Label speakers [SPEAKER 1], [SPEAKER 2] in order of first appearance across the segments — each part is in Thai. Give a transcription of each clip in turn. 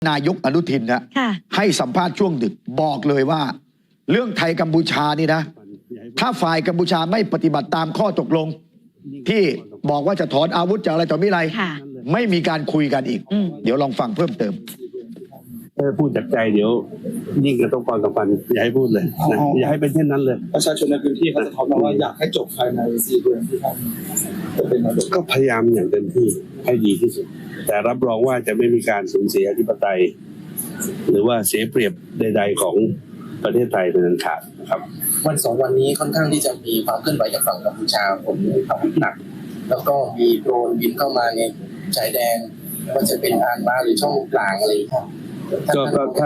[SPEAKER 1] นายกอนุทินนะให้สัมภาษณ์ช่วงดึกบอกเลยว่าเรื่องไทยกัมพูชานี่นะถ้าฝ่ายกัมพูชาไม่ปฏิบัติตามข้อตกลงที่บอกว่าจะถอนอาวุธจากอะไรต่อมิอะไรไม่มีการคุยกันอีกเดี๋ยวลองฟังเพิ่มเติม
[SPEAKER 2] ถ้าพูดจากใจเดี๋ยวยิ่งกระทบความสัมพันธ์อย่าให้พูดเลยนะอย่าให้เป็นเช่นนั้นเลย
[SPEAKER 3] ประชาชนในพื้นที่เขาจะท้อมาว่าอยากให้จบภายใน4 เดือนที่ท่านจะเป็นนายก
[SPEAKER 2] ก็พยายามอย่างเต็มที่ให้ดีที่สุดแต่รับรองว่าจะไม่มีการสูญเสียอธิปไตยหรือว่าเสียเปรียบใดๆของประเทศไทยเป็นอันขาดนะครับ
[SPEAKER 3] วัน2 วันนี้ค่อนข้างที่จะมีความเคลื่อนไหวจากฝั่งกัมพูชาผมอาวุธหนักแล้วก็มีโดรนบินเข้ามาในชายแดนว่าจะเป็นอ่านมาหรือช่องกลางอะไรครับ
[SPEAKER 2] ก็ถ้า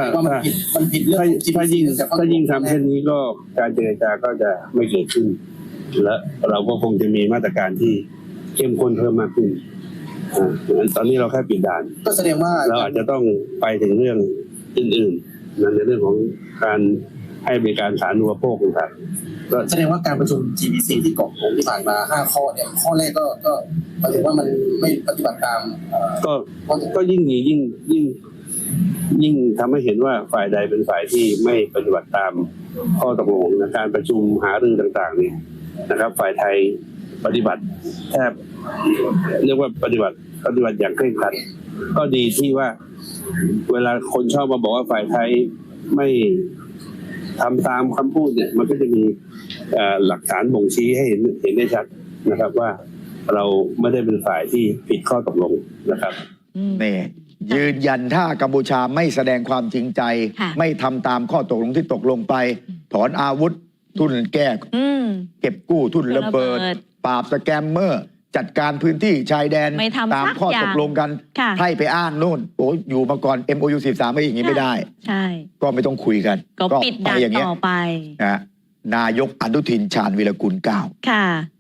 [SPEAKER 2] ยิ่งทำเช่นนี้ก็การเจรจาก็จะไม่เกิดขึ้นและเราก็คงจะมีมาตรการที่เข้มข้นเพิ่มมากขึ้นตอนนี้เราแค่ปิดด่าน
[SPEAKER 3] ก็แสดงว่า
[SPEAKER 2] เราอาจจะต้องไปถึงเรื่องอื่นๆในเรื่องของการให้บริการสาธารณูปโภคต่างๆ
[SPEAKER 3] ก็แสดงว่าการประชุม GBC ที่เกาะผมที่ผ่านมา5 ข้อเนี่ยข้อแรกก็หมายถึงว่ามันไม่ปฏิบัติตาม
[SPEAKER 2] ก็ยิ่งทำให้เห็นว่าฝ่ายใดเป็นฝ่ายที่ไม่ปฏิบัติตามข้อตกลงในการประชุมหารือต่างๆนี่นะครับฝ่ายไทยปฏิบัติแทบเรียกว่าปฏิบัติอย่างเคร่งครัดก็ดีที่ว่าเวลาคนชอบมาบอกว่าฝ่ายไทยไม่ทำตามคำพูดเนี่ยมันก็จะมีหลักฐานบ่งชี้ให้เห็นได้ชัดนะครับว่าเราไม่ได้เป็นฝ่ายที่ผิดข้อตกลงนะครับ
[SPEAKER 1] นี่ยืนยันถ้ากัมพูชาไม่แสดงความจริงใจไม่ทำตามข้อตกลงที่ตกลงไปถอนอาวุธทุนแก้เก็บกู้ทุนระเบิดปราบสแกมเมอร์จัดการพื้นที่ชายแดนตามข้อตกลงกันให้ไปอ้างโน่นโอ้อยู่มาก่อน MOU 13ไม่อย่างนี้ไม่ได้
[SPEAKER 4] ใช่
[SPEAKER 1] ก็ไม่ต้องคุยกัน
[SPEAKER 4] ก็ปิดด่านต่อไป
[SPEAKER 1] นายกอนุทินชาญวีรกุล 9